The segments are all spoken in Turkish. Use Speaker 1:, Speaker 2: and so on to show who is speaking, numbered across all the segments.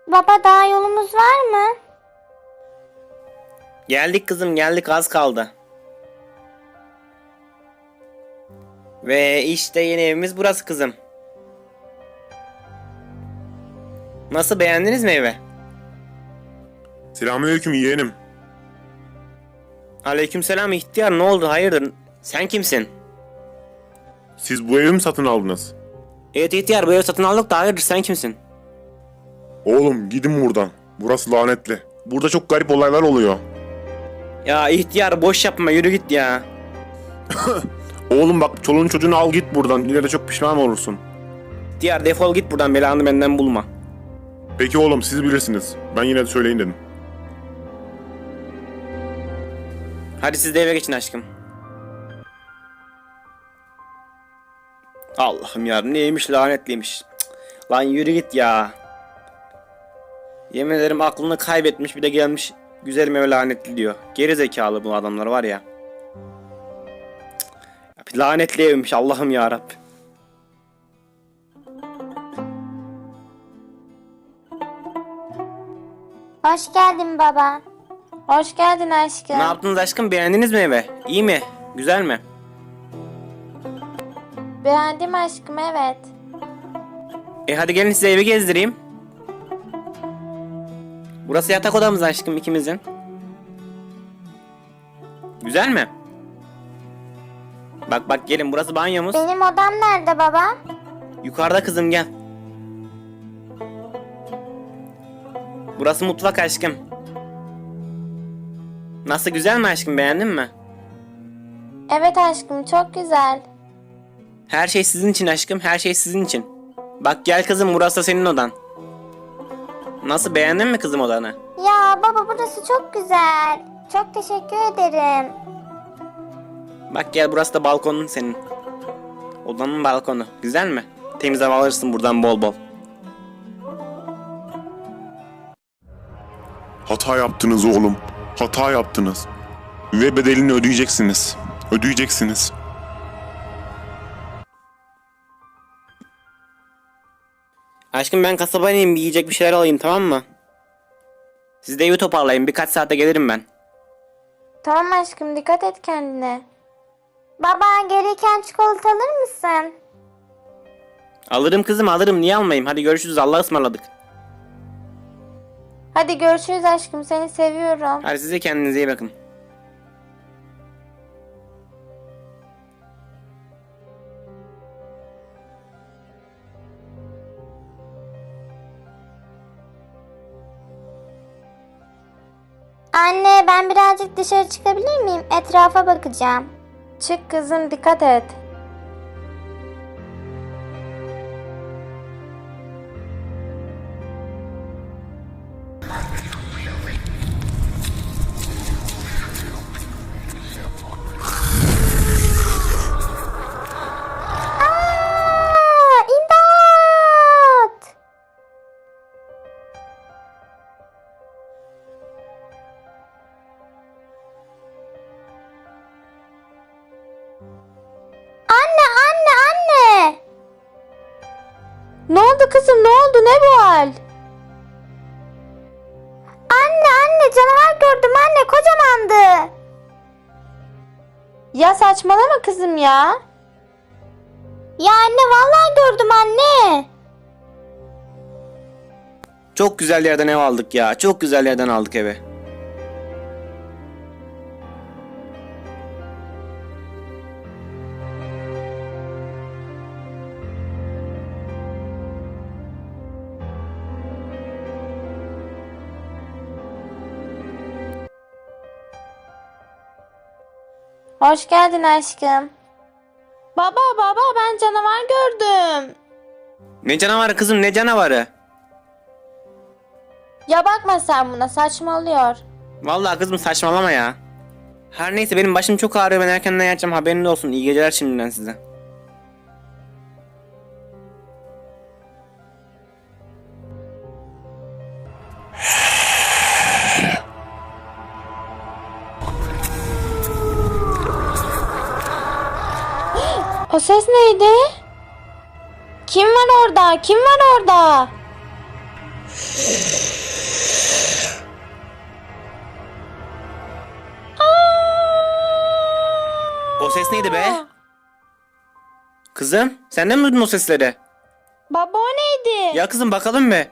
Speaker 1: Baba daha yolumuz var mı?
Speaker 2: Geldik kızım, geldik, az kaldı. Ve işte yeni evimiz burası kızım. Nasıl, beğendiniz mi evi?
Speaker 3: Selamünaleyküm yeğenim.
Speaker 2: Aleykümselam ihtiyar, ne oldu, hayırdır? Sen kimsin?
Speaker 3: Siz bu evi mi satın aldınız?
Speaker 2: Evet ihtiyar, bu evi satın aldık da hayırdır, sen kimsin?
Speaker 3: Oğlum gidin buradan. Burası lanetli. Burada çok garip olaylar oluyor.
Speaker 2: Ya ihtiyar, boş yapma, yürü git ya.
Speaker 3: Oğlum bak, çoluğun çocuğunu al git buradan. İleride çok pişman olursun.
Speaker 2: İhtiyar, defol git buradan, belanı benden bulma.
Speaker 3: Peki oğlum, siz bilirsiniz. Ben yine de söyleyin dedim.
Speaker 2: Hadi siz de eve geçin aşkım. Allah'ım ya, neymiş, lanetliymiş. Cık, lan yürü git ya. Yemin ederim aklını kaybetmiş, bir de gelmiş güzelim eve lanetli diyor. Geri zekalı bu adamlar var ya. Cık, lanetli evmiş, Allah'ım ya Rabbi.
Speaker 1: Hoş geldin baba. Hoş geldin aşkım.
Speaker 2: Ne yaptınız aşkım, beğendiniz mi eve? İyi mi? Güzel mi?
Speaker 1: Beğendim aşkım, evet.
Speaker 2: Hadi gelin size evi gezdireyim. Burası yatak odamız aşkım, ikimizin. Güzel mi? Bak bak gelin, burası banyomuz.
Speaker 1: Benim odam nerede baba?
Speaker 2: Yukarıda kızım, gel. Burası mutfak aşkım. Nasıl, güzel mi aşkım, beğendin mi?
Speaker 1: Evet aşkım, çok güzel.
Speaker 2: Her şey sizin için aşkım, her şey sizin için. Bak gel kızım, burası da senin odan. Nasıl, beğendin mi kızım odanı?
Speaker 1: Ya baba, burası çok güzel. Çok teşekkür ederim.
Speaker 2: Bak gel, burası da balkonun senin. Odanın balkonu. Güzel mi? Temiz hava alırsın buradan bol bol.
Speaker 3: Hata yaptınız oğlum. Hata yaptınız. Ve bedelini ödeyeceksiniz. Ödeyeceksiniz.
Speaker 2: Aşkım ben kasaba ineyim, bir yiyecek bir şeyler alayım, tamam mı? Siz de evi toparlayın, birkaç saate gelirim ben.
Speaker 1: Tamam aşkım, dikkat et kendine. Baba, gereken çikolata alır mısın?
Speaker 2: Alırım kızım, alırım, niye almayayım? Hadi görüşürüz, Allah'a ısmarladık.
Speaker 1: Hadi görüşürüz aşkım, seni seviyorum.
Speaker 2: Hadi size kendinize iyi bakın.
Speaker 1: Anne, ben birazcık dışarı çıkabilir miyim? Etrafa bakacağım. Çık kızım, dikkat et. İmdat! Anne, anne, anne! Ne oldu kızım, ne oldu, ne bu hal? Anne, anne, canavar gördüm anne, kocamandı. Ya saçmalama kızım ya. Ya anne, vallahi gördüm anne.
Speaker 2: Çok güzel yerden ev aldık ya. Çok güzel yerden aldık evi.
Speaker 1: Hoş geldin aşkım. Baba, baba, ben canavar gördüm.
Speaker 2: Ne canavarı kızım, ne canavarı?
Speaker 1: Ya bakma sen buna, saçmalıyor.
Speaker 2: Vallahi kızım saçmalama ya. Her neyse, benim başım çok ağrıyor, ben erkenden yatacağım, haberiniz olsun. İyi geceler şimdiden size.
Speaker 1: O ses neydi? Kim var orada? Kim var orada?
Speaker 2: O ses neydi be? Kızım, sen de mi duydun o sesleri?
Speaker 1: Baba o neydi?
Speaker 2: Ya kızım bakalım be.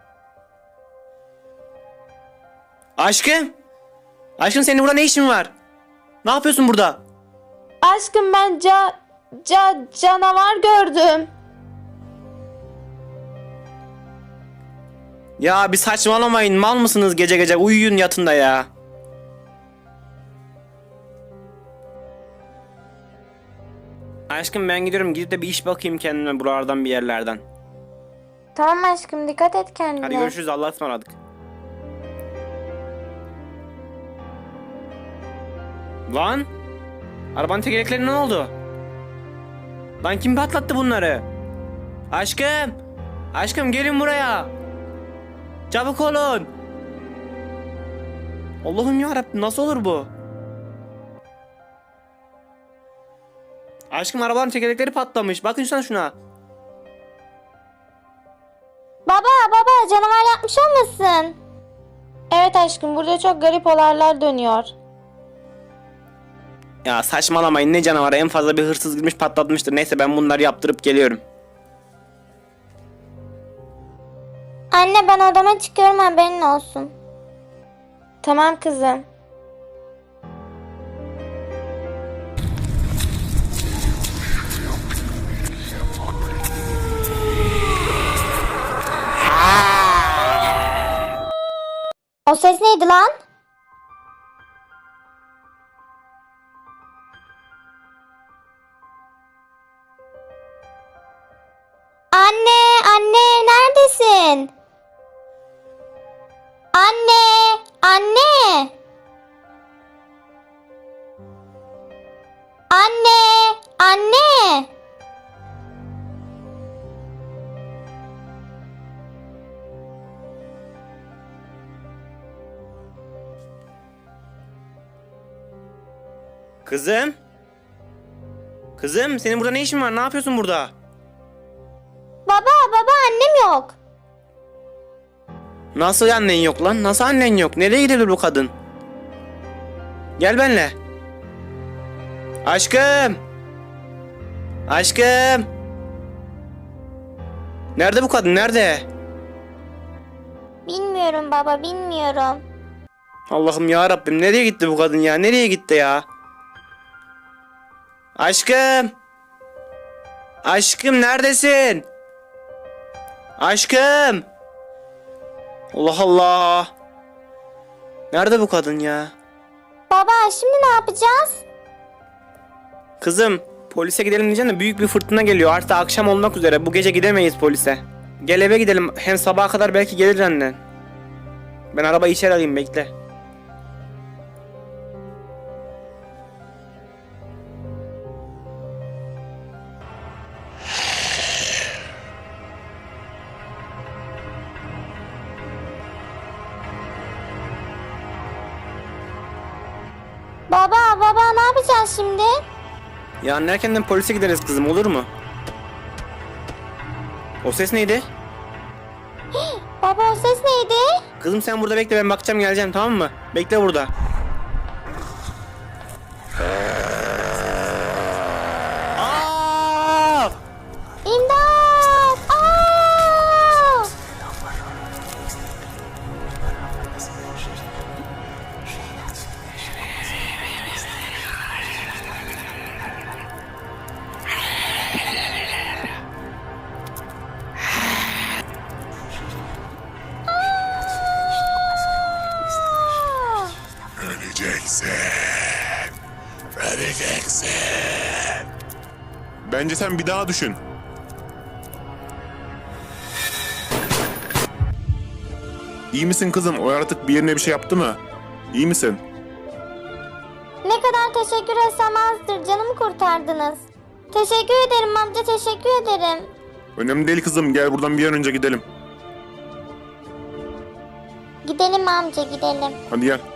Speaker 2: Aşkım. Aşkım senin burada ne işin var? Ne yapıyorsun burada?
Speaker 1: Aşkım ben canavar gördüm.
Speaker 2: Ya bir saçmalamayın. Mal mısınız gece gece? Uyuyun yatın da ya. Aşkım ben gidiyorum. Gidip de bir iş bakayım kendime buralardan bir yerlerden.
Speaker 1: Tamam aşkım dikkat et kendine.
Speaker 2: Hadi görüşürüz. Allah'a ısmarladık. Lan. Arabanın tekerlekleri ne oldu? Lan kim patlattı bunları? Aşkım. Aşkım gelin buraya. Çabuk olun. Allah'ım yarabbim nasıl olur bu? Aşkım arabanın tekerlekleri patlamış. Bakın şuna.
Speaker 1: Baba canavar yapmış olmasın? Evet aşkım burada çok garip olaylar dönüyor.
Speaker 2: Ya saçmalamayın ne canavarı, en fazla bir hırsız girmiş patlatmıştır. Neyse ben bunları yaptırıp geliyorum.
Speaker 1: Anne ben odama çıkıyorum haberin olsun. Tamam kızım. O ses neydi lan? Anne neredesin? Anne.
Speaker 2: Kızım. Kızım senin burada ne işin var? Ne yapıyorsun burada?
Speaker 1: Baba annem yok.
Speaker 2: Nasıl annen yok lan? Nasıl annen yok? Nereye gidebilir bu kadın? Gel benimle. Aşkım. Aşkım. Nerede bu kadın? Nerede?
Speaker 1: Bilmiyorum baba bilmiyorum.
Speaker 2: Allah'ım ya Rabbim nereye gitti bu kadın ya? Nereye gitti ya? Aşkım. Aşkım neredesin? Aşkım. Allah Allah. Nerede bu kadın ya?
Speaker 1: Baba şimdi ne yapacağız?
Speaker 2: Kızım polise gidelim diyeceğim de büyük bir fırtına geliyor. Artık akşam olmak üzere. Bu gece gidemeyiz polise. Gel eve gidelim. Hem sabaha kadar belki gelir annen. Ben arabayı içeri alayım bekle.
Speaker 1: Baba ne yapacağız şimdi?
Speaker 2: Yarın erkenden polise gideriz kızım, olur mu? O ses neydi?
Speaker 1: Baba o ses neydi?
Speaker 2: Kızım sen burada bekle, ben bakacağım geleceğim, tamam mı? Bekle burada. Aa!
Speaker 1: İmdat! Aa!
Speaker 3: Öleceksin. Bence sen bir daha düşün. İyi misin kızım? O yaratık bir yerine bir şey yaptı mı? İyi misin?
Speaker 1: Ne kadar teşekkür etsem azdır. Canımı kurtardınız. Teşekkür ederim amca teşekkür ederim.
Speaker 3: Önemli değil kızım. Gel buradan bir an önce gidelim.
Speaker 1: Gidelim amca gidelim.
Speaker 3: Hadi gel.